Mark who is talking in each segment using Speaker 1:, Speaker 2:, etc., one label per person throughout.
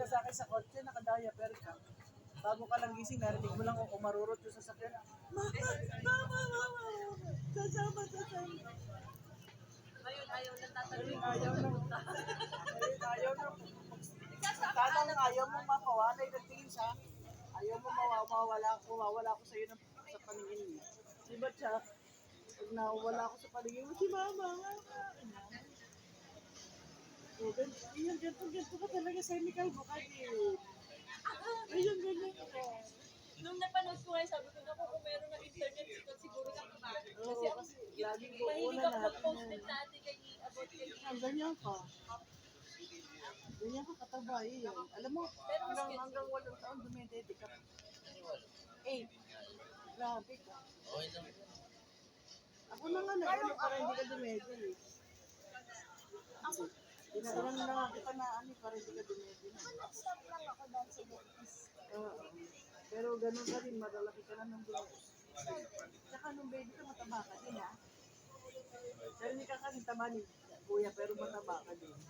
Speaker 1: ka sa akin sa kotse, naka-diaper ka. Bago ka lang gising, narinig mo lang kung umarurot yung sasakyan. Mama. Sasama.
Speaker 2: Ngayon, ayaw nang tatanungin.
Speaker 1: Ayaw na. Tanang ayaw mo makawalay ng tingin siya. Ayaw mo mawawala ko sa iyo sa paningin mo. Diba siya? Pag nawala ko sa paningin mo, si mama. Ganito ka talaga sa Nicole Bukati. Ayun, ganyan ka.
Speaker 2: Nung napanood ko ngayon, sabi ko, naku, kung meron ng internet, siguro na kumain.
Speaker 1: Oo, kasi laging
Speaker 2: mahilig
Speaker 1: kukunan
Speaker 2: ako
Speaker 1: natin
Speaker 2: mag-post
Speaker 1: yan.
Speaker 2: din dati kay about kay
Speaker 1: Ganyan ka. Ganyan ka katabay yan. Alam mo, hanggang 8 taon dumedede ka. 8. Grabe ka. Ako na nga na, para hindi ka dumedede. Ilan na nga kita na para hindi ka dumedede.
Speaker 3: Stop lang ako dahil sa bukas.
Speaker 1: Oo. Pero ganun ka rin, malalaki ka na ng bulos. Tsaka nung baby ka, mataba ka din, ha? Pero hindi ka kasi taba ni kuya, pero mataba ka din.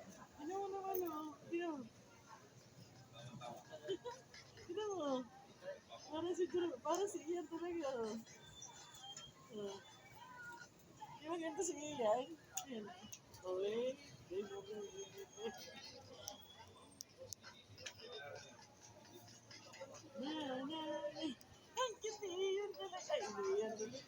Speaker 1: Tignan mo. Parang si Ian talaga. Di ba ganito si Ian? Ian. Okay. Ang cute ni Ian talaga. Ay, Ian talaga.